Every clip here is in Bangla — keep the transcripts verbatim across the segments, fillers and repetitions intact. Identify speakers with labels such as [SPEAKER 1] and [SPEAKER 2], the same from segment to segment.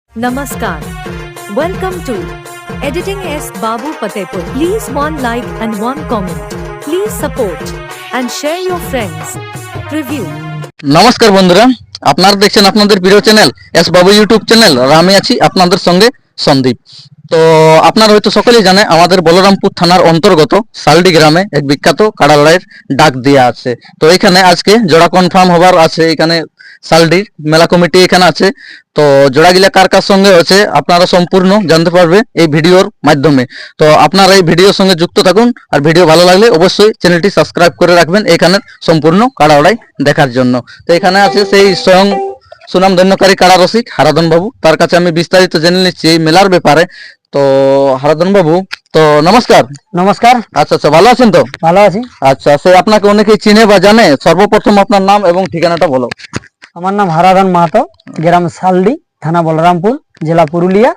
[SPEAKER 1] Namaskar. Welcome to Editing S. Babu Patepur. Please one like and one comment. Please support and share your friends. Preview.
[SPEAKER 2] নমস্কার বন্ধুরা, আপনারা দেখছেন আপনাদের প্রিয় channel S Babu YouTube channel. আর আমি আছি আপনাদের সঙ্গে সন্দীপ। তো আপনারা হয়তো সকলেই জানে আমাদের বলরামপুর থানার অন্তর্গত সালডি গ্রামে এক বিখ্যাত কাড়া লড়াইয়ের ডাক দেওয়া আছে। তো এখানে আজকে জোড়া কনফার্ম হবার আছে। এখানে সালডির মেলা কমিটি এখানে আছে। তো জোড়াগুলা কার কার সঙ্গে আছে আপনারা সম্পূর্ণ জানতে পারবে এই ভিডিওর মাধ্যমে। তো আপনারা এই ভিডিওর সঙ্গে যুক্ত থাকুন, আর ভিডিও ভালো লাগলে অবশ্যই চ্যানেলটি সাবস্ক্রাইব করে রাখবেন এখানে সম্পূর্ণ কাড়া লড়াই দেখার জন্য। তো এখানে আছে সেই স্বয়ং সুনাম ধন্যকারী কাড়া রসিক হারাধন বাবু। তার কাছে আমি বিস্তারিত জেনে নিচ্ছি এই মেলার ব্যাপারে। তো হারাধন বাবু, তো নমস্কার।
[SPEAKER 3] নমস্কার।
[SPEAKER 2] আচ্ছা আচ্ছা, ভালো আছেন তো?
[SPEAKER 3] ভালো আছি।
[SPEAKER 2] আচ্ছা, সে আপনাকে অনেকেই চিনে বা জানে, সর্বপ্রথম আপনার নাম এবং ঠিকানাটা বলো।
[SPEAKER 3] আমার নাম হারাধন মাহাতো, গ্রাম সালডি, থানা বলরামপুর, জেলা পুরুলিয়া।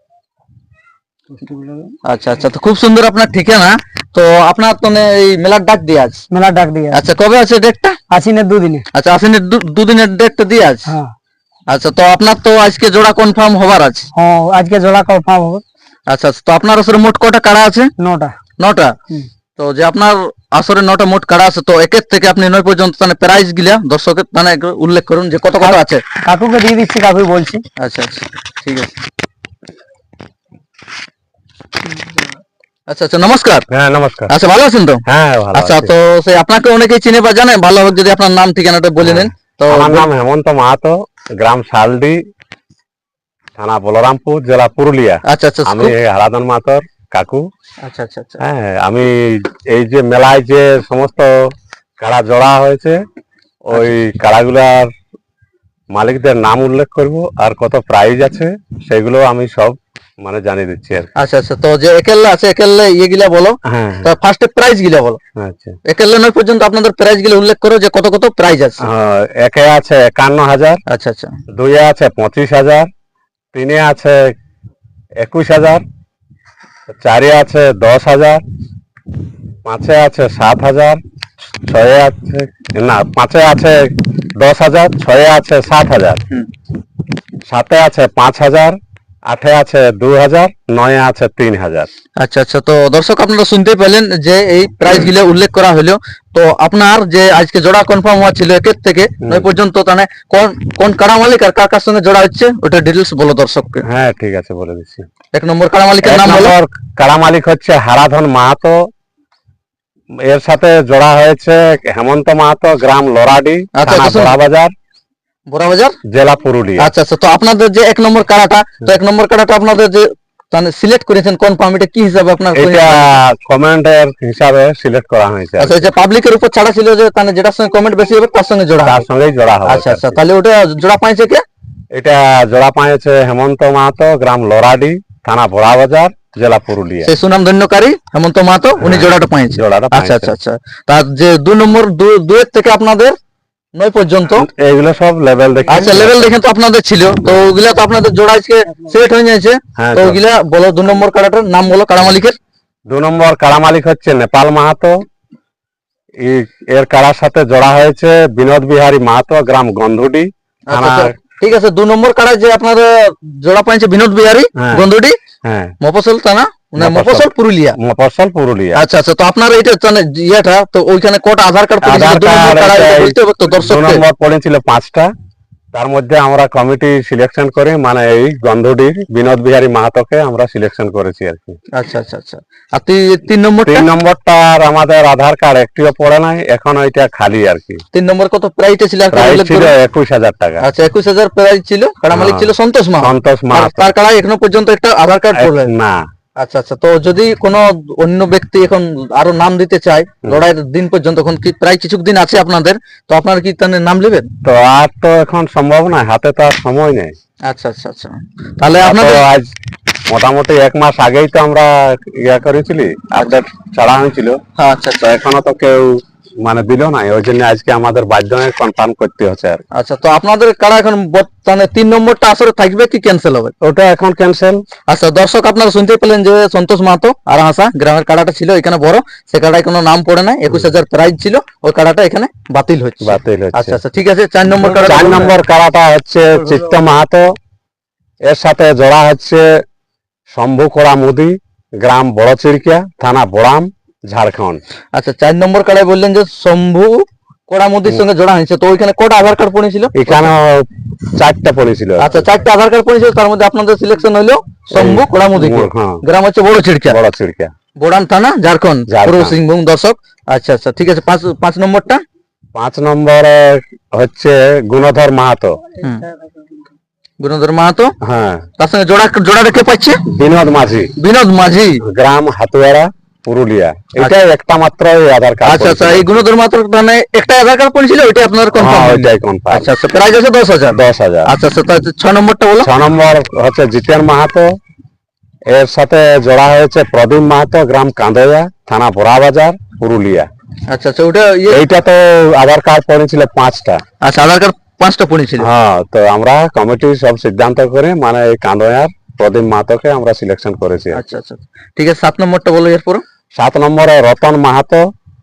[SPEAKER 2] আচ্ছা আচ্ছা, তো খুব সুন্দর আপনার ঠিকানা। তো আপনার তো এই মেলার ডাক দিয়ে আছে?
[SPEAKER 3] মেলার ডাক দিয়ে।
[SPEAKER 2] আচ্ছা, কবে আছে ডেটটা?
[SPEAKER 3] আশ্বিনের দুদিনে।
[SPEAKER 2] আচ্ছা, আশ্বিনের দুদিনের ডেটটা দিয়ে আছে।
[SPEAKER 3] হ্যাঁ।
[SPEAKER 2] আচ্ছা, তো আপনার তো আজকে জোড়া কনফার্ম হবার আছে?
[SPEAKER 3] হ্যাঁ, আজকে জোড়া কনফার্ম হবে।
[SPEAKER 2] আচ্ছা, তো আপনার আসলে মোট কটা কাড়া আছে?
[SPEAKER 3] নটা।
[SPEAKER 2] নটা। তো যে আপনার আসরে নটা মোট কাড়া আছে, তো একের থেকে আপনি নয় পর্যন্ত মানে প্রাইস গিলা দর্শকের মানে উল্লেখ করুন যে কত কত আছে।
[SPEAKER 3] কাকুকে দিয়ে দিচ্ছি, কাকু বলছি।
[SPEAKER 2] আচ্ছা আচ্ছা, ঠিক আছে। আচ্ছা আচ্ছা, নমস্কার।
[SPEAKER 4] হ্যাঁ নমস্কার।
[SPEAKER 2] আচ্ছা, ভালো আছেন তো?
[SPEAKER 4] হ্যাঁ ভালো
[SPEAKER 2] আচ্ছা,
[SPEAKER 4] আছি।
[SPEAKER 2] তো সেই আপনাকে অনেকেই চিনে বা জানে, ভালো হবে যদি আপনার নাম ঠিকানাটা বলে নেন। তো
[SPEAKER 4] আমার নাম হেমন্ত মাহাতো, গ্রাম শালডি, থানা বলরামপুর, জেলা পুরুলিয়া।
[SPEAKER 2] আচ্ছা আচ্ছা,
[SPEAKER 4] আমি হারাধন মাহাতোর কাকু।
[SPEAKER 2] আচ্ছা আচ্ছা আচ্ছা,
[SPEAKER 4] হ্যাঁ, আমি এই যে মেলায় যে সমস্ত কাড়া জোড়া হয়েছে ওই কাড়াগুলার মালিকদের নাম উল্লেখ করব, আর কত প্রাইজ আছে সেগুলো আমি সব মানে জানিয়ে দিচ্ছি আর কি।
[SPEAKER 2] আচ্ছা আচ্ছা, তো যে একেলে আছে একেলে ইয়ে গিলা বলো।
[SPEAKER 4] হ্যাঁ,
[SPEAKER 2] তো ফার্স্টে প্রাইজ গিলা বলো।
[SPEAKER 4] আচ্ছা।
[SPEAKER 2] একেলে নয় পর্যন্ত আপনাদের প্রাইজ গিলা উল্লেখ করো যে কত কত প্রাইজ আছে।
[SPEAKER 4] হ্যাঁ, একে আছে একান্ন হাজার,
[SPEAKER 2] আচ্ছা আচ্ছা,
[SPEAKER 4] দুইয়ে আছে পঁচিশ হাজার, তিনে আছে একুশ হাজার, চারে আছে দশ হাজার, পাঁচে আছে সাত হাজার, ছয়ে আছে না পাঁচে আছে দশ হাজার, ছয়ে আছে সাত হাজার, সাতে আছে পাঁচ হাজার, আটে আছে দু হাজার, নয়ে আছে তিন হাজার।
[SPEAKER 2] আচ্ছা আচ্ছা, তো দর্শক আপনারা শুনতে পেলেন যে এই প্রাইজ গুলো উল্লেখ করা হলো। তো আপনার যে আজকে জোড়া কনফার্ম হওয়া ছিল একের থেকে নয় পর্যন্ত, তাহলে কোন কোন কাড়া মালিক আর কার কার সঙ্গে জোড়া হচ্ছে ওটা ডিটেলস বলো দর্শককে।
[SPEAKER 4] হ্যাঁ ঠিক আছে, বলে দিচ্ছি।
[SPEAKER 2] এক নম্বর কাড়া মালিকের নাম বলো।
[SPEAKER 4] কাড়া মালিক হচ্ছে হারাধন মাহাতো, এর সাথে জোড়া হয়েছে হেমন্ত মাহাতো, গ্রাম লরাডি, থানা বাজার,
[SPEAKER 2] বোরাবাজার,
[SPEAKER 4] জেলা পুরুলিয়া।
[SPEAKER 2] আচ্ছা আচ্ছা, তো আপনাদের যে এক নম্বর কাড়াটা, তো এক নম্বর কাড়াটা আপনাদের যে মানে সিলেক্ট করেছেন কনফার্ম, এটা কি হিসাবে আপনার?
[SPEAKER 4] এটা কমেন্টের হিসাবে সিলেক্ট করা হয়েছে।
[SPEAKER 2] আচ্ছা, যে পাবলিকের উপর ছাড়া ছিল যে মানে যেটার সঙ্গে কমেন্ট বেশি হবে তার সঙ্গে জোড়া,
[SPEAKER 4] তার সঙ্গেই জোড়া হবে।
[SPEAKER 2] আচ্ছা আচ্ছা, তাহলে ওটা জোড়া পাইছে কে?
[SPEAKER 4] এটা জোড়া পাইছে হেমন্ত মাহাতো, গ্রাম লরাডি, থানা বোরাবাজার, জেলা পুরুলিয়া।
[SPEAKER 2] সেই সুনাম ধন্যকারী হেমন্ত মাহাতো উনি জোড়াটা পাইছে।
[SPEAKER 4] জোড়াটা
[SPEAKER 2] আচ্ছা আচ্ছা আচ্ছা, তার যে দুই নম্বর দুয়ের থেকে আপনাদের নয় পর্যন্ত
[SPEAKER 4] এইগুলো সব লেভেল দেখে।
[SPEAKER 2] আচ্ছা, লেভেল দেখে তো আপনাদের ছিল, তো ওগুলা তো আপনাদের জোড়া আজকে সেট হয়ে যাচ্ছে। তো ওগুলা বলো, দু নম্বর কাড়াটার নাম বলো কাড়া মালিকের।
[SPEAKER 4] দু নম্বর কাড়া মালিক হচ্ছে নেপাল মাহাতো, এর কাড়ার সাথে জোড়া হয়েছে বিনোদ বিহারী মাহাতো, গ্রাম গন্ধুডি, থানা।
[SPEAKER 2] ঠিক আছে, দু নম্বর কাড়া যে আপনাদের জোড়া পাইছে বিনোদ বিহারী গন্ধুডি, হ্যাঁ, মফসল থানা, মফসল পুরুলিয়া, মফসল পুরুলিয়া। আচ্ছা আচ্ছা, তো আপনার এইটা ইয়েটা তো ওইখানে কত আধার কার্ড
[SPEAKER 4] দু নম্বর পড়েছিল পাঁচটা, তার মধ্যে আমরা কমিটি সিলেকশন করে মানে এই গন্ধুডির বিনোদ বিহারী মাহাতোকে আমরা সিলেকশন করেছি আর কি।
[SPEAKER 2] আচ্ছা আচ্ছা আচ্ছা, আর তিন নম্বর
[SPEAKER 4] তিন নম্বরটার আমাদের আধার কার্ড একটিও পড়ে নাই, এখন ওইটা খালি আর কি।
[SPEAKER 2] তিন নম্বর কত প্রাইস ছিল?
[SPEAKER 4] ছিল একুশ হাজার টাকা।
[SPEAKER 2] আচ্ছা, একুশ হাজার প্রাইস ছিল। কাড়া মালিক ছিল সন্তোষ মা।
[SPEAKER 4] সন্তোষ মা,
[SPEAKER 2] তার কাড়া এখনো পর্যন্ত একটা আধার কার্ড পড়ে
[SPEAKER 4] না।
[SPEAKER 2] আচ্ছা আচ্ছা, তো যদি কোনো অন্য ব্যক্তি এখন আরো নাম দিতে চায় লড়াইয়ের দিন পর্যন্ত, এখন কি প্রায় কিছুদিন আছে আপনাদের, তো আপনারা কি তাহলে নাম নেবেন?
[SPEAKER 4] তো আর তো এখন সম্ভব না, হাতে তো আর সময় নেই।
[SPEAKER 2] আচ্ছা আচ্ছা আচ্ছা, তাহলে আপনাদের
[SPEAKER 4] আজ মোটামুটি এক মাস আগেই তো আমরা ইয়া করেছিলি, আপডেট ছাড়া হয়েছিল।
[SPEAKER 2] আচ্ছা আচ্ছা,
[SPEAKER 4] এখনো তো কেউ মানে দিল না, ওই জন্য আজকে আমাদের বাধ্য হয়ে কনফার্ম করতে হচ্ছে আর।
[SPEAKER 2] আচ্ছা, তো আপনাদের কাড়া এখন মানে তিন নম্বরটা আসলে থাকবে কি ক্যান্সেল হবে?
[SPEAKER 4] ওটা এখন ক্যান্সেল।
[SPEAKER 2] আচ্ছা, দর্শক আপনারা শুনতে পেলেন যে সন্তোষ মাহাতো আর হাসা গ্রামের কাড়াটা ছিল এখানে বড়, সে কাড়ায় কোনো নাম পড়ে নাই, একুশ হাজার প্রাইজ ছিল, ওই কাড়াটা এখানে বাতিল হচ্ছে।
[SPEAKER 4] বাতিল হচ্ছে।
[SPEAKER 2] আচ্ছা আচ্ছা, ঠিক আছে, চার নম্বর কাড়া।
[SPEAKER 4] চার নম্বর কাড়াটা হচ্ছে চিত্ত মাহাতো, এর সাথে জোড়া হচ্ছে শম্ভু কড়া মুদি, গ্রাম বড় চিড়কিয়া, থানা বড়াম, ঝাড়খণ্ড।
[SPEAKER 2] আচ্ছা, চার নম্বর কাড়ায় বললেন যে শম্ভু কোড়ামুদির সঙ্গে জোড়া হয়েছে, তো ওইখানে কটা আধার কার্ড পড়েছিল?
[SPEAKER 4] এখানে চারটা পড়েছিল।
[SPEAKER 2] আচ্ছা, চারটা আধার কার্ড পড়েছিল, তার মধ্যে আপনাদের সিলেকশন হইলো শম্ভু কোড়ামুদি,
[SPEAKER 4] হ্যাঁ।
[SPEAKER 2] গ্রাম হচ্ছে বড় চিড়কিয়া,
[SPEAKER 4] বড় চিড়কিয়া,
[SPEAKER 2] বোড়াম থানা, ঝাড়খণ্ড,
[SPEAKER 4] ঝাড়খণ্ড।
[SPEAKER 2] পূর্ব সিংভূম। দর্শক, আচ্ছা আচ্ছা, ঠিক আছে। পাঁচ পাঁচ নম্বরটা?
[SPEAKER 4] পাঁচ নম্বরে হচ্ছে গুণধর মাহাতো।
[SPEAKER 2] হুম, গুণধর মাহাতো।
[SPEAKER 4] হ্যাঁ,
[SPEAKER 2] তার সঙ্গে জোড়া জোড়া রেখে পাচ্ছে
[SPEAKER 4] বিনোদ মাঝি,
[SPEAKER 2] বিনোদ মাঝি,
[SPEAKER 4] গ্রাম হাতুয়ারা, পুরুলিয়া। এটা একটা মাত্র আধার কার্ড।
[SPEAKER 2] আচ্ছা আচ্ছা, এই গুণধর মাহাতো মানে একটা আধার কার্ড পড়েছিল, ওইটা আপনার কনফার্ম?
[SPEAKER 4] ওইটাই কনফার্ম।
[SPEAKER 2] আচ্ছা আচ্ছা, প্রাইস আছে দশ হাজার।
[SPEAKER 4] দশ হাজার।
[SPEAKER 2] আচ্ছা আচ্ছা, তাহলে ছ নম্বরটা বলো।
[SPEAKER 4] ছ নম্বর হচ্ছে জিতেন মাহাতো, এর সাথে জোড়া হয়েছে প্রদীপ মাহাতো, গ্রাম কাঁদয়া, থানা বড়াবাজার, পুরুলিয়া।
[SPEAKER 2] আচ্ছা আচ্ছা, ওটা ইয়ে,
[SPEAKER 4] এইটা তো আধার কার্ড পড়েছিল পাঁচটা।
[SPEAKER 2] আচ্ছা, আধার কার্ড পাঁচটা পড়েছিল।
[SPEAKER 4] হ্যাঁ, তো আমরা কমিটি সব সিদ্ধান্ত করে মানে এই কাঁদয়ার প্রদীপ মাহাতোকে আমরা সিলেকশন করেছি।
[SPEAKER 2] আচ্ছা আচ্ছা, ঠিক আছে। সাত নম্বরটা বলো এরপর।
[SPEAKER 4] সাত নম্বরে রতন মাহাতো,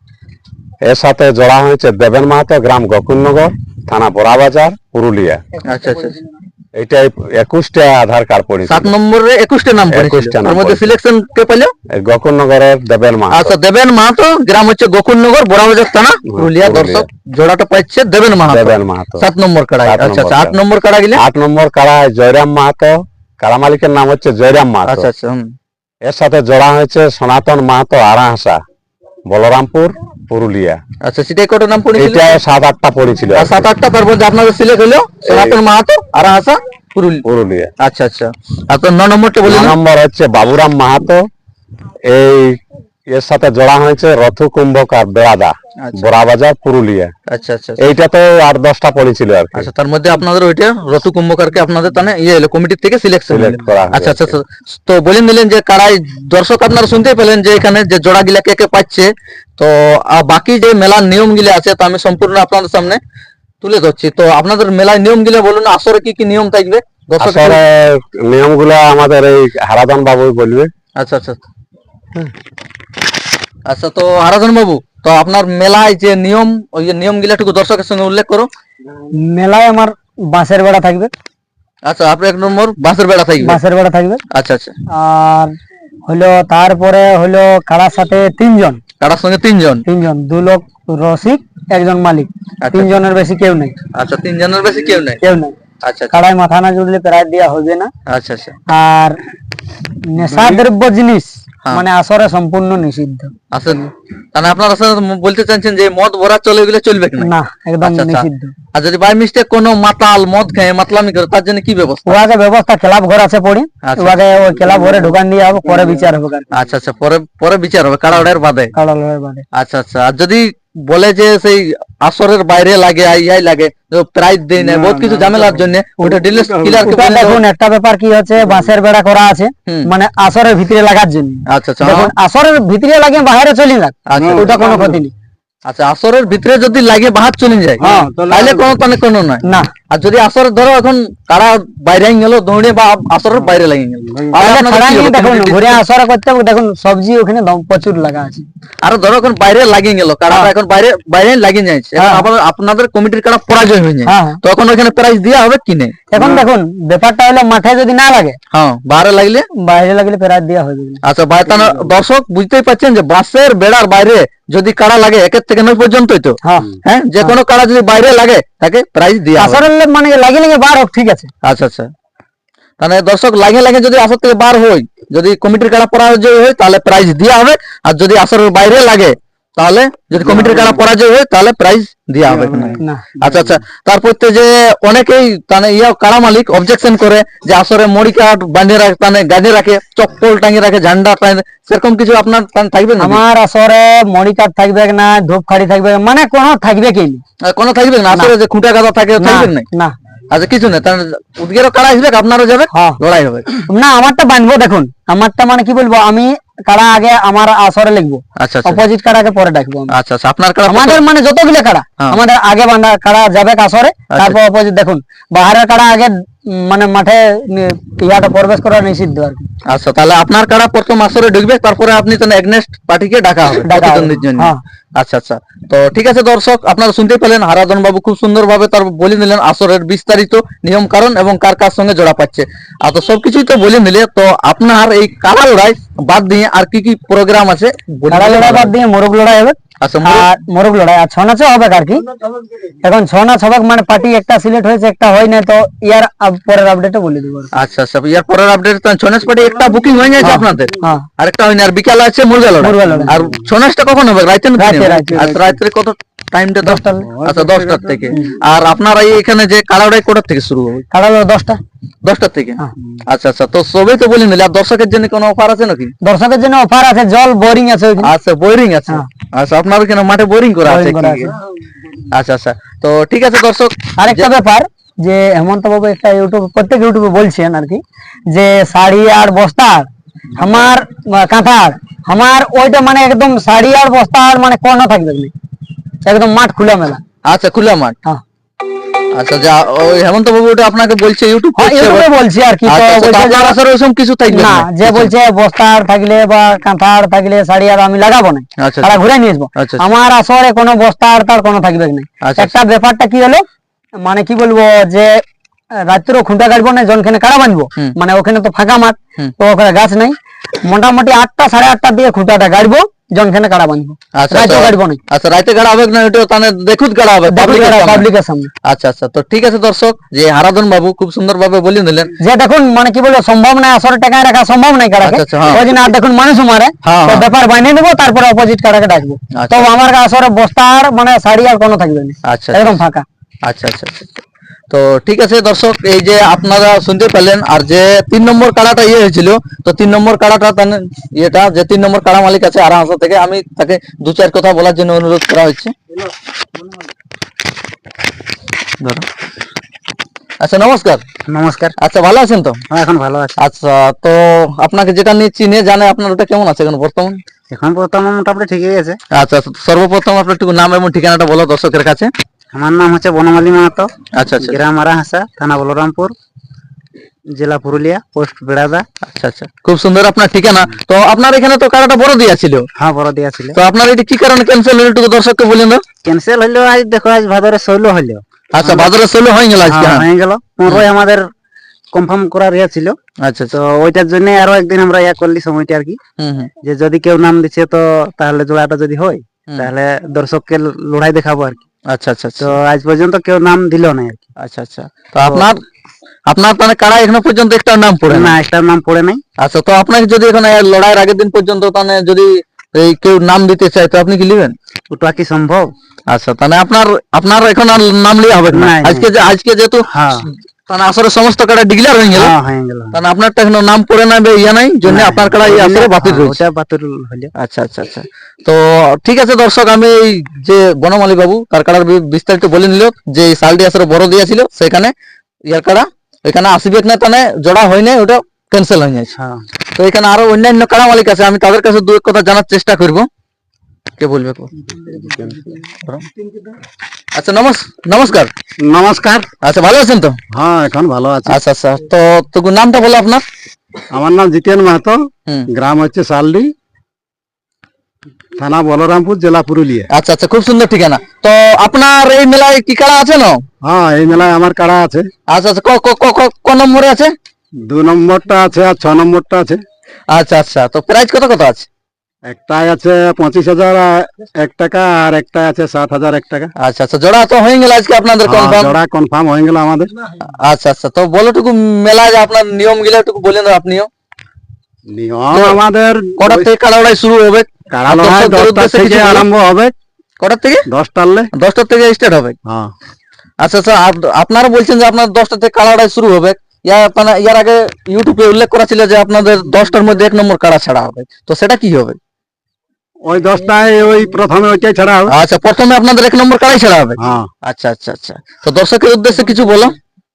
[SPEAKER 4] এর সাথে জোড়া হয়েছে দেবেন মাহাতো, গ্রাম গোকুলনগর, থানা বড়াবাজার, পুরুলিয়া।
[SPEAKER 2] আচ্ছা আচ্ছা,
[SPEAKER 4] এইটাই একুশটা আধার কার্ড পড়েছে।
[SPEAKER 2] সাত নম্বরে একুশটা নাম পড়েছিল,
[SPEAKER 4] একুশটা নাম
[SPEAKER 2] তার মধ্যে
[SPEAKER 4] পড়েছিল।
[SPEAKER 2] সিলেকশন কে পেল?
[SPEAKER 4] গোকুলনগরের দেবেন মাহাতো।
[SPEAKER 2] আচ্ছা, দেবেন মাহাতো, গ্রাম হচ্ছে গোকুলনগর, বড়াবাজার থানা, পুরুলিয়া। দর্শক, জোড়াটা পাচ্ছে দেবেন মাহাতো।
[SPEAKER 4] দেবেন মাহাতো।
[SPEAKER 2] সাত নম্বর কাড়া।
[SPEAKER 4] সাত
[SPEAKER 2] আচ্ছা আচ্ছা,
[SPEAKER 4] নম্বর
[SPEAKER 2] আট নম্বর কাড়া গেলে?
[SPEAKER 4] আট নম্বর কাড়ায় জয়রাম মাহাতো, কাড়া মালিকের নাম হচ্ছে জয়রাম মাহাতো।
[SPEAKER 2] আচ্ছা আচ্ছা, হুম।
[SPEAKER 4] এর সাথে জোড়া হয়েছে সনাতন মাহাতো, আড়াহাসা, বলরামপুর, পুরুলিয়া।
[SPEAKER 2] আচ্ছা, সেটাই কত নাম পড়েছিল?
[SPEAKER 4] এটা সাত আটটা পড়েছিল।
[SPEAKER 2] আর সাত আটটা, তার মধ্যে আপনাদের সিলেক্ট হলো সনাতন মাহাতো, আর হাসা, পুরুলিয়া।
[SPEAKER 4] পুরুলিয়া।
[SPEAKER 2] আচ্ছা আচ্ছা, আর তো ন নম্বরটা
[SPEAKER 4] ন
[SPEAKER 2] বললেন?
[SPEAKER 4] নম্বর হচ্ছে বাবুরাম মাহাতো, এই এর সাথে জোড়া হয়েছে রথু কুম্ভকার, বেড়াদা,
[SPEAKER 2] আচ্ছা।
[SPEAKER 4] বড়াবাজার, পুরুলিয়া।
[SPEAKER 2] আচ্ছা আচ্ছা,
[SPEAKER 4] এইটা তো আট দশটা পড়েছিল আর কি।
[SPEAKER 2] আচ্ছা, তার মধ্যে আপনাদের ওইটা রতু কুম্ভকারকে আপনাদের তানে ইয়ে হলো কমিটির থেকে সিলেকশন
[SPEAKER 4] Select করা হয়েছে।
[SPEAKER 2] আচ্ছা আচ্ছা আচ্ছা, তো বলেন দিলেন যে কারাই দর্শক আপনারা শুনতেই পেলেন যে এখানে যে জোড়া গিলা কে কে পাচ্ছে, তো আহ, বাকি যে মেলার নিয়ম গিলা আছে তো আমি সম্পূর্ণ আপনাদের সামনে তুলে ধরছি। তো আপনাদের মেলার নিয়ম গিলা বলুন, আসরে কি কি নিয়ম থাকবে দর্শক?
[SPEAKER 4] আসলে নিয়মগুলো আমাদের এই হারাধন বাবু বলবে।
[SPEAKER 2] আচ্ছা আচ্ছা আচ্ছা, তো হারাধন বাবু, তো আপনার মেলায় যে নিয়ম, ওই যে নিয়ম গিলাটুকু দর্শকের সঙ্গে উল্লেখ করো।
[SPEAKER 3] মেলায় আমার বাঁশের বেড়া থাকবে,
[SPEAKER 2] আচ্ছা, আপনি এক নম্বর বাঁশের বেড়া থাকবে।
[SPEAKER 3] বাঁশের বেড়া থাকবে।
[SPEAKER 2] আচ্ছা আচ্ছা,
[SPEAKER 3] আর হলো তারপরে হলো কাড়ার সাথে তিনজন,
[SPEAKER 2] কারার সঙ্গে তিনজন।
[SPEAKER 3] তিনজন দু লোক রসিক, একজন মালিক,
[SPEAKER 2] আচ্ছা।
[SPEAKER 3] তিনজনের বেশি কেউ নেই,
[SPEAKER 2] আচ্ছা, তিনজনের বেশি কেউ নেই।
[SPEAKER 3] কেউ নেই।
[SPEAKER 2] আচ্ছা আচ্ছা,
[SPEAKER 3] কাড়ায় মাথা না জুড়লে প্রায় দেওয়া হবে না।
[SPEAKER 2] আচ্ছা আচ্ছা,
[SPEAKER 3] আর নেশা দ্রব্য জিনিস
[SPEAKER 2] হ্যাঁ।
[SPEAKER 3] মানে আসরে সম্পূর্ণ নিষিদ্ধ।
[SPEAKER 2] আচ্ছা, তাহলে আপনারা আসলে বলতে চাচ্ছেন যে মদ ভরা চলে গেলে চলবে কি
[SPEAKER 3] না, একদম
[SPEAKER 2] আচ্ছা, আচ্ছা।
[SPEAKER 3] নিষিদ্ধ।
[SPEAKER 2] আর যদি বাই মিস্টেক কোনো মাতাল মদ খেয়ে মাতলামি করে, তার জন্য কি ব্যবস্থা?
[SPEAKER 3] ওয়াকে ব্যবস্থা ক্লাব ঘর আছে পড়ি,
[SPEAKER 2] আচ্ছা।
[SPEAKER 3] ওয়াকে ওই ক্লাব ঘরে ঢোকান দিয়ে হবে, পরে বিচার হবে।
[SPEAKER 2] আচ্ছা আচ্ছা, পরে পরে বিচার হবে কারাড়ের বাদে।
[SPEAKER 3] কাড়া লড়াই বাদে।
[SPEAKER 2] আচ্ছা আচ্ছা, আর যদি বলে যে সেই আসরের বাইরে লাগে আইয়াই লাগে, প্রাইজ দেয় না, বহুত কিছু ঝামেলার জন্য, ওটা ডিলেস ক্লিয়ার কে
[SPEAKER 3] ওটা
[SPEAKER 2] বলে
[SPEAKER 3] দেখুন, একটা ব্যাপার কি হচ্ছে, বাঁশের বেড়া করা আছে
[SPEAKER 2] হুম।
[SPEAKER 3] মানে আসরের ভিতরে লাগার জন্য।
[SPEAKER 2] আচ্ছা আচ্ছা,
[SPEAKER 3] দেখুন, আসরের ভিতরে লাগে বাইরে চলে যাক,
[SPEAKER 2] আচ্ছা।
[SPEAKER 3] ওটা কোনো ক্ষতি নেই।
[SPEAKER 2] আচ্ছা, আসরের ভিতরে যদি লাগে বাহার চলে যায়,
[SPEAKER 3] হ্যাঁ,
[SPEAKER 2] তাহলে কোনো তানে কোনো নয়।
[SPEAKER 3] না,
[SPEAKER 2] আর যদি আসর ধরো এখন কারা বাইরে গেল দৌড়ে বা আসরের বাইরে লাগে গেল,
[SPEAKER 3] তাহলে
[SPEAKER 2] আপনাদের
[SPEAKER 3] খাড়া
[SPEAKER 2] কি
[SPEAKER 3] নিয়ে
[SPEAKER 2] হবে?
[SPEAKER 3] দেখুন
[SPEAKER 2] Community-
[SPEAKER 3] ঘুরে আসরে করতে হবে। দেখুন সবজি ওখানে দম- প্রচুর লাগা আছে।
[SPEAKER 2] আর ধরো এখন বাইরে লাগিয়ে গেল কারাটা,
[SPEAKER 3] হ্যাঁ।
[SPEAKER 2] এখন বাইরে বাইরে লাগিয়ে যাচ্ছে, এখন
[SPEAKER 3] হ্যাঁ।
[SPEAKER 2] আবার আপনাদের কমিটির কারা পরাজয় হয়ে যায়,
[SPEAKER 3] হ্যাঁ।
[SPEAKER 2] তখন ওখানে প্রাইজ দেওয়া হবে কি নেই?
[SPEAKER 3] এখন দেখুন ব্যাপারটা হলো মাঠে যদি না লাগে,
[SPEAKER 2] হ্যাঁ, বাইরে লাগলে।
[SPEAKER 3] বাইরে লাগলে প্রায় দেওয়া হবে না।
[SPEAKER 2] আচ্ছা, বাইরে তাহলে দর্শক বুঝতেই পারছেন যে বাসের বেড়ার বাইরে যদি কারা লাগে একের থেকে নয় পর্যন্তই তো,
[SPEAKER 3] হ্যাঁ,
[SPEAKER 2] হ্যাঁ, যে কোনো কারা যদি বাইরে লাগে তাকে প্রাইজ দেওয়া হবে।
[SPEAKER 3] আসরের লোক মানে লাগে লাগে বার হোক, ঠিক আছে।
[SPEAKER 2] আচ্ছা আচ্ছা, তাহলে দর্শক লাগে লাগে যদি আসর থেকে বার হয়, যদি কমিটির কারা পরাজয় হয় তাহলে প্রাইজ দেওয়া হবে, আর যদি আসরের বাইরে লাগে তাহলে যদি কমিটির কারা পরাজয় হয় তাহলে প্রাইজ দেওয়া হবে না।
[SPEAKER 3] না,
[SPEAKER 2] আচ্ছা আচ্ছা, তারপর তো যে অনেকেই তানে ইয়া কারা মালিক অবজেকশন করে যে আসরে মড়ি কাঠ বাঁধে রাখে, তানে গাঁধে রাখে, চপ্পল টাঙিয়ে রাখে, ঝান্ডা টাঙিয়ে, সেরকম কিছু আপনার তানে থাকবে না?
[SPEAKER 3] আমার আসরে মড়ি কাঠ থাকবে না, ধূপখাড়ি থাকবে মানে কোনো থাকবে কি নেই।
[SPEAKER 2] আর কোনো থাকবে না আসরে যে খুঁটা গাদা থাকে
[SPEAKER 3] না,
[SPEAKER 2] থাকবে না?
[SPEAKER 3] না,
[SPEAKER 2] আচ্ছা, কিছু নেই, তাহলে উদ্গেরও কারা আসবে, আপনারও যাবে,
[SPEAKER 3] হ্যাঁ।
[SPEAKER 2] লড়াই হবে।
[SPEAKER 3] না, আমারটা বাঁধবো। দেখুন আমারটা মানে কি বলবো, আমি কাড়া আগে আমার আসরে লিখবো,
[SPEAKER 2] আচ্ছা আচ্ছা,
[SPEAKER 3] অপোজিট কাড়াকে পরে ডাকবো আমি।
[SPEAKER 2] আচ্ছা আচ্ছা, আপনার কারা
[SPEAKER 3] আমাদের মানে যতগুলো কাড়া
[SPEAKER 2] হ্যাঁ।
[SPEAKER 3] আমাদের আগে বাঁধা কাড়া যাবে আসরে, তারপর অপোজিট। দেখুন বাহারের কাড়া আগে উম, মানে মাঠে নি- ইয়াটা প্রবেশ করা নিষিদ্ধ আর কি।
[SPEAKER 2] আচ্ছা, তাহলে আপনার কারা প্রথম আসরে ঢুকবে, তারপরে আপনি তো এগনেস্ট পার্টিকে ডাকা হবে
[SPEAKER 3] ডাকা হবে,
[SPEAKER 2] প্রতিদ্বন্দ্বীর জন্য।
[SPEAKER 3] হ্যাঁ।
[SPEAKER 2] আচ্ছা আচ্ছা, তো ঠিক আছে দর্শক, আপনারা শুনতে পেলেন হারাধন বাবু খুব সুন্দরভাবে তার বলে নিলেন আসরের বিস্তারিত নিয়ম কারণ এবং কার কার সঙ্গে জোড়া পাচ্ছে। আর তো সবকিছুই তো বলে নিলে, তো আপনার এই কাড়া লড়াই বাদ দিয়ে আর কি কি প্রোগ্রাম আছে বলে
[SPEAKER 3] কাড়া
[SPEAKER 2] দিলে
[SPEAKER 3] লড়াই
[SPEAKER 2] ভালো
[SPEAKER 3] বাদ
[SPEAKER 2] হয়।
[SPEAKER 3] দিয়ে মোরগ লড়াই হবে,
[SPEAKER 2] আচ্ছা মোরগ-
[SPEAKER 3] আর মোরগ লড়াই আর ছৌ নাচও হবে আর কি। এখন ছৌ নাচ হবে মানে পার্টি একটা সিলেক্ট হয়েছে, একটা হয় না, তো ইয়ার আপ- পরের আপডেটে বলে দেবো আর কি।
[SPEAKER 2] আচ্ছা আচ্ছা, ইয়ার পরের আপডেট ছনেশ পার্টি একটা বুকিং হয়ে গেছে
[SPEAKER 3] হ্যাঁ,
[SPEAKER 2] আপনাদের,
[SPEAKER 3] হ্যাঁ।
[SPEAKER 2] আরেকটা হয়নি, আর বিকালে আছে মুরগা লড়াই।
[SPEAKER 3] মুরগা লড়াই।
[SPEAKER 2] আর ছনেশটা কখন হবে? রাতে নাকি
[SPEAKER 3] রাতে,
[SPEAKER 2] নেবে?
[SPEAKER 3] রাতে,
[SPEAKER 2] আচ্ছা রাত্রে কত টাইমটা?
[SPEAKER 3] দশটা।
[SPEAKER 2] আচ্ছা দশটার থেকে। আর আপনারা এই এখানে যে কাড়া লড়াই কোটার থেকে শুরু হবে?
[SPEAKER 3] কাড়া লড়াই দশটা।
[SPEAKER 2] দশটার থেকে।
[SPEAKER 3] হ্যাঁ।
[SPEAKER 2] আচ্ছা আচ্ছা, তো সবই তো বলে নিলে, আর দর্শকের জন্য কোনো অফার আছে নাকি?
[SPEAKER 3] দর্শকের জন্য অফার আছে, জল বোরিং আছে ওইখানে।
[SPEAKER 2] আচ্ছা বোরিং আছে।
[SPEAKER 3] হ্যাঁ।
[SPEAKER 2] আচ্ছা আপনার এখানে মাঠে বোরিং করা আছে
[SPEAKER 3] Boring করা
[SPEAKER 2] কি?
[SPEAKER 3] আছে।
[SPEAKER 2] আচ্ছা আচ্ছা, তো ঠিক আছে দর্শক,
[SPEAKER 3] আরেকটা ব্যাপার যে হেমন্ত বাবু একটা ইউটিউব প্রত্যেক ইউটিউবে বলছেন আর কি, যে শাড়ি আর বস্তার আমার আহ, কাঁথার আমার ওইটা মানে একদম শাড়ি আর বস্তার মানে কোনো থাকবে না, একদম মাঠ খোলা মেলা।
[SPEAKER 2] আচ্ছা খোলা মাঠ।
[SPEAKER 3] হ্যাঁ,
[SPEAKER 2] আচ্ছা যা ওই হেমন্ত বাবু ওটা আপনাকে বলছে ইউটিউব
[SPEAKER 3] হ্যাঁ,
[SPEAKER 2] করছে
[SPEAKER 3] ইউটিউবে
[SPEAKER 2] এবার?
[SPEAKER 3] বলছি আর কি। তো
[SPEAKER 2] আচ্ছা, আচ্ছা, তো
[SPEAKER 3] বলছে
[SPEAKER 2] আপনার
[SPEAKER 3] যে-
[SPEAKER 2] আসলে ওইসব কিছু থাকবে
[SPEAKER 3] না,
[SPEAKER 2] না?
[SPEAKER 3] যে বলছে বস্তার থাকলে বা কাঁথার থাকলে শাড়ি আর আমি লাগাবো না,
[SPEAKER 2] আচ্ছা,
[SPEAKER 3] তারা ঘুরে নিয়ে আসবো।
[SPEAKER 2] আচ্ছা, আচ্ছা।
[SPEAKER 3] আমার আসরে কোনো বস্তার তার কোনো থাকবে না।
[SPEAKER 2] আচ্ছা,
[SPEAKER 3] একটা ব্যাপারটা কি হলো, মানে কি বলবো যে রাত্রেও খুঁটা কাটবো না, জনখানে কাড়া বাঁধবো,
[SPEAKER 2] হুম।
[SPEAKER 3] মানে ওখানে তো ফাঁকা মাঠ,
[SPEAKER 2] হুম।
[SPEAKER 3] তো ওখানে গাছ নাই, মোটামুটি আটটা সাড়ে আটটার দিকে খুঁটাটা গাড়বো, জনখানে কাড়া বাঁধবো,
[SPEAKER 2] আচ্ছা
[SPEAKER 3] রাত্রেও
[SPEAKER 2] আচ্ছা।
[SPEAKER 3] গাড়বো না,
[SPEAKER 2] আচ্ছা রাতে গাড়া হবে না, ওটা তাহলে দেখুত গাড়া হবে public এর সামনে।
[SPEAKER 3] পাবলিকের সামনে।
[SPEAKER 2] আচ্ছা আচ্ছা, তো ঠিক আছে দর্শক, যে হারাধন বাবু খুব সুন্দর ভাবে বলে নিলেন।
[SPEAKER 3] যে দেখুন মানে কি বলবো সম্ভব নাই, আসরে টাকায় রাখা সম্ভব নাই কাড়াকে,
[SPEAKER 2] আচ্ছা, আচ্ছা, হ্যাঁ।
[SPEAKER 3] ওই জন্য আর দেখুন মানুষ মারে,
[SPEAKER 2] হ্যাঁ,
[SPEAKER 3] তো
[SPEAKER 2] হ্যাঁ।
[SPEAKER 3] ব্যাপার বানিয়ে নেবো, তারপরে অপোজিট কাড়াকে ডাকবো।
[SPEAKER 2] আচ্ছা।
[SPEAKER 3] তো আমার আসরে বস্তার মানে শাড়ি আর কোনো থাকবে না,
[SPEAKER 2] আচ্ছা,
[SPEAKER 3] একদম
[SPEAKER 2] আচ্ছা।
[SPEAKER 3] ফাঁকা।
[SPEAKER 2] আচ্ছা আচ্ছা আচ্ছা আচ্ছা। তো ঠিক আছে দর্শক, এই যে আপনারা শুনতে পেলেন, আর যে তিন নম্বর কাড়াটা ইয়ে হয়েছিল, তো তিন নম্বর কাড়াটা তাহলে ইয়েটা যে তিন নম্বর কাড়া মালিক আছে আরামসা থেকে, আমি তাকে দু চার কথা বলার জন্য অনুরোধ করা হচ্ছে। ধরো। আচ্ছা নমস্কার।
[SPEAKER 3] নমস্কার।
[SPEAKER 2] আচ্ছা ভালো আছেন তো?
[SPEAKER 3] হ্যাঁ, এখন ভালো আছে।
[SPEAKER 2] আচ্ছা, তো আপনাকে যেটা নিয়ে চিনে জানে, আপনার ওটা কেমন আছে এখন বর্তমান?
[SPEAKER 3] এখন প্রথম মোটামুটি ঠিকই আছে।
[SPEAKER 2] আচ্ছা আচ্ছা, সর্বপ্রথম আপনার একটু নাম এবং ঠিকানাটা বলো দর্শকের কাছে।
[SPEAKER 3] আমার নাম হচ্ছে বনমালী মাহাতো,
[SPEAKER 2] আচ্ছা আচ্ছা
[SPEAKER 3] গ্রাম আরাহাসা, থানা বলরামপুর, জেলা পুরুলিয়া, পোস্ট বেড়াদা।
[SPEAKER 2] আচ্ছা আচ্ছা, খুব সুন্দর আপনার ঠিকানা। তো আপনার এখানে তো কারাটা বড় দিয়া ছিল,
[SPEAKER 3] হ্যাঁ, বড় দিয়া ছিল।
[SPEAKER 2] তো আপনার এটি কি কারণে ক্যান্সেল হলো একটু দর্শককে বলেন তো।
[SPEAKER 3] ক্যান্সেল হইলো, আজ দেখো আজ ভাদরে ষোলো হইলো।
[SPEAKER 2] আচ্ছা ভাদরে ষোলো হয়ে গেল আজকে।
[SPEAKER 3] হ্যাঁ,
[SPEAKER 2] হ্যাঁ।
[SPEAKER 3] হয়ে গেল। পনেরোই আমাদের কনফার্ম করার ইয়ে ছিল,
[SPEAKER 2] আচ্ছা
[SPEAKER 3] তো
[SPEAKER 2] আচ্ছা।
[SPEAKER 3] ওইটার জন্য আরো একদিন আমরা ইয়া করলি সময়টা আর কি,
[SPEAKER 2] হুম হুম
[SPEAKER 3] যে যদি কেউ নাম দিচ্ছে তো তাহলে জোড়াটা যদি হয়
[SPEAKER 2] হুম।
[SPEAKER 3] তাহলে দর্শককে ল- লড়াই দেখাবো আর কি।
[SPEAKER 2] আচ্ছা আচ্ছা আচ্ছা
[SPEAKER 3] তো আজ পর্যন্ত কেউ নাম দিল না আর কি।
[SPEAKER 2] আচ্ছা আচ্ছা, তো আপনার আপনার মানে কারা এখনো পর্যন্ত একটা নাম পড়ে না?
[SPEAKER 3] না, একটা নাম পড়ে নাই।
[SPEAKER 2] আচ্ছা, তো আপনাকে যদি এখন এই লড়াইয়ের আগের দিন পর্যন্ত তাহলে যদি এই কেউ নাম দিতে চায়, তো আপনি কি নেবেন?
[SPEAKER 3] ওটা কি সম্ভব?
[SPEAKER 2] আচ্ছা, তাহলে আপনার আপনার এখন আর নাম লিয়া হবে না
[SPEAKER 3] নাই,
[SPEAKER 2] আজকে যে আজকে যেহেতু
[SPEAKER 3] হ্যাঁ,
[SPEAKER 2] তাহলে আসলে সমস্ত কারা ডিক্লেয়ার হয়ে গেল,
[SPEAKER 3] হ্যাঁ, হয়ে গেল।
[SPEAKER 2] তাহলে আপনারটা এখনো নাম পড়ে না বে- ইয়া নাই জন্য
[SPEAKER 3] না,
[SPEAKER 2] আপনার কারা ইয়ে আসলে বাতিল
[SPEAKER 3] হ্যাঁ,
[SPEAKER 2] রয়েছে।
[SPEAKER 3] ওটা বাতিল হলো।
[SPEAKER 2] আচ্ছা আচ্ছা আচ্ছা, তো ঠিক আছে দর্শক, আমি এই যে বনমালী বাবু তার কাড়ার বি- বিস্তারিত বলে নিল, যে এই সালটি আসলে বড় দিয়েছিল সেখানে ইয়ার কাড়া এখানে আসবে না, তাহলে জোড়া হয় নাই, ওটা ক্যান্সেল হয়ে যাচ্ছে।
[SPEAKER 3] হ্যাঁ,
[SPEAKER 2] তো এখানে আরো অন্যান্য কাড়া মালিক আছে, আমি তাদের কাছে দু এক কথা জানার চেষ্টা করব। কে বলবে কো? আচ্ছা নমস- নমস্কার।
[SPEAKER 5] নমস্কার।
[SPEAKER 2] আচ্ছা ভালো আছেন তো?
[SPEAKER 5] হ্যাঁ, এখন ভালো আছে।
[SPEAKER 2] আচ্ছা আচ্ছা, তো তো নামটা বলো আপনার।
[SPEAKER 5] আমার নাম জিতেন মাহাতো,
[SPEAKER 2] হুম।
[SPEAKER 5] গ্রাম হচ্ছে সালডি, থানা বলরামপুর, জেলা পুরুলিয়া।
[SPEAKER 2] আচ্ছা আচ্ছা, খুব সুন্দর ঠিকানা। তো আপনার এই মেলায় কি কাড়া আছে না?
[SPEAKER 5] হ্যাঁ, এই মেলায় আমার কাড়া আছে।
[SPEAKER 2] আচ্ছা আচ্ছা, ক- ক- ক- ক- ক নম্বরে আছে?
[SPEAKER 5] দু নম্বরটা আছে আর ছ নম্বরটা আছে।
[SPEAKER 2] আচ্ছা আচ্ছা, তো প্রাইস কত কত আছে?
[SPEAKER 5] একটাই আছে পঁচিশ হাজার এক টাকা, আর একটা আছে সাত হাজার এক টাকা।
[SPEAKER 2] আচ্ছা আচ্ছা, জোড়া তো হয়ে গেল আজকে আপনাদের
[SPEAKER 5] হ্যাঁ,
[SPEAKER 2] কনফার্ম।
[SPEAKER 5] জোড়া কনফার্ম হয়ে গেল আমাদের।
[SPEAKER 2] আচ্ছা আচ্ছা, তো বলো টুকু মেলায় যে আপনার নিয়ম গিলা একটু বলেন আপনিও।
[SPEAKER 5] নিয়ম আমাদের
[SPEAKER 2] কটার থেকে কাড়া লড়াই শুরু হবে?
[SPEAKER 5] কাড়া
[SPEAKER 2] আর
[SPEAKER 5] লড়াই
[SPEAKER 2] দর্শকদের
[SPEAKER 5] দশটা
[SPEAKER 2] উদ্দেশ্যে
[SPEAKER 5] থেকে
[SPEAKER 2] কিছু বলো।
[SPEAKER 5] আরম্ভ হবে,
[SPEAKER 2] কটার থেকে?
[SPEAKER 5] দশটালে।
[SPEAKER 2] দশটার থেকে স্টার্ট হবে।
[SPEAKER 5] হ্যাঁ,
[SPEAKER 2] আচ্ছা আচ্ছা, আপ- আপনারা বলছেন যে আপনার দশটা থেকে কাড়া লড়াই শুরু হবে, ইয়ার মানে ইয়ার আগে ইউটিউবে উল্লেখ করা ছিল যে আপনাদের দশটার মধ্যে এক নম্বর কাড়া ছাড়া হবে, তো সেটা কি হবে?
[SPEAKER 5] ওই দশটায় ওই প্রথমে ওইটাই ছাড়া হবে।
[SPEAKER 2] আচ্ছা, প্রথমে আপনাদের এক নম্বর কাড়াই ছাড়া হবে।
[SPEAKER 5] হ্যাঁ,
[SPEAKER 2] আচ্ছা আচ্ছা আচ্ছা, তো দর্শকের উদ্দেশ্যে কিছু বলো।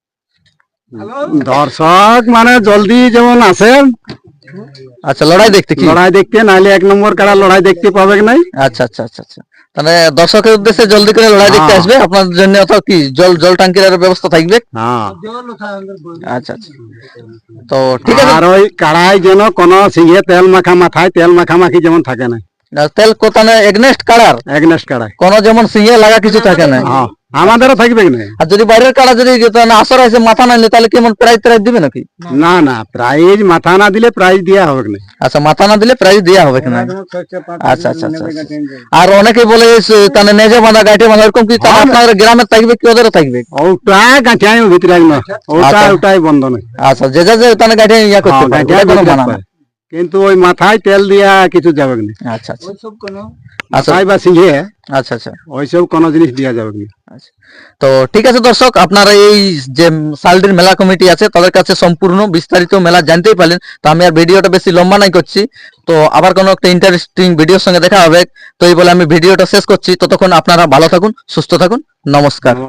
[SPEAKER 5] দর্শক মানে জলদি যেমন আসে
[SPEAKER 2] আচ্ছা, লড়াই দেখতে কি?
[SPEAKER 5] লড়াই দেখতে, নাইলে এক নম্বর কাড়া লড়াই দেখতে পাবে নাই।
[SPEAKER 2] আচ্ছা আচ্ছা আচ্ছা আচ্ছা, তাহলে দর্শকের উদ্দেশ্যে জলদি করে লড়াই দেখতে
[SPEAKER 5] হ্যাঁ।
[SPEAKER 2] আসবে, আপনাদের জন্য অথবা কি জল জল ট্যাঙ্কির ব্যবস্থা থাকবে।
[SPEAKER 5] হ্যাঁ,
[SPEAKER 2] আচ্ছা আচ্ছা, তো ঠিক আছে।
[SPEAKER 5] আর ওই কাড়াই যেন কোনো সিংহে তেল মাখা মাথায় তেল মাখামাখি যেমন থাকে না।
[SPEAKER 2] তেল কোতানে এগনেস্ট কাড়ার
[SPEAKER 5] এগনেস্ট কাড়ায়।
[SPEAKER 2] কোন যেমন সিংহে লাগা কিছু থাকে না।
[SPEAKER 5] হ্যাঁ, আমাদেরও থাকবে না।
[SPEAKER 2] আর যদি বাইরের কাড়া যদি তাহলে আসর আছে মাথা না নিলে তাহলে কেমন প্রাইজ ট্রাইজ দিবে নাকি?
[SPEAKER 5] না না, প্রাইজ মাথা না দিলে প্রাইজ দেওয়া হবে না।
[SPEAKER 2] আচ্ছা, মাথা না দিলে প্রাইজ দেওয়া হবে কিনা? আচ্ছা আচ্ছা আচ্ছা আচ্ছা। আর অনেকে বলে সে- তাহলে নেজে বাঁধা গাইটে বাঁধা এরকম কি তাহলে আপনাদের গ্রামে থাকবে কি ওদেরও থাকবে?
[SPEAKER 5] ওটা গাঁঠিয়াই ভিতরে না, ওটা
[SPEAKER 2] আচ্ছা।
[SPEAKER 5] ওটাই বন্ধ নয়।
[SPEAKER 2] আচ্ছা, যে যা যে তাহলে গাইটে ইয়া করতে
[SPEAKER 5] হ্যাঁ,
[SPEAKER 2] পারে,
[SPEAKER 5] গাঁঠিয়া
[SPEAKER 2] ওটা কোনো
[SPEAKER 5] ভিতরে
[SPEAKER 2] মানা না।
[SPEAKER 5] পায়। কিন্তু ওই মাথায় তেল দিয়া কিছু যাবে না।
[SPEAKER 2] আচ্ছা আচ্ছা আচ্ছা
[SPEAKER 5] মাথায় বা সিংহে
[SPEAKER 2] আচ্ছা আচ্ছা
[SPEAKER 5] ওইসব কোনো জিনিস দেওয়া যাবে না।
[SPEAKER 2] আচ্ছা। তো ঠিক আছে দর্শক, আপনারা এই যে সালডির মেলা কমিটি আছে তাদের কাছে সম্পূর্ণ বিস্তারিত মেলা জানতেই পারলেন। তো আমি আর ভিডিওটা বেশি লম্বা নাই করছি, তো আবার কোনো একটা ইন্টারেস্টিং ভিডিওর সঙ্গে দেখা হবে। তো এই বলে আমি ভিডিওটা শেষ করছি। ততক্ষণ আপনারা ভালো থাকুন, সুস্থ থাকুন, নমস্কার।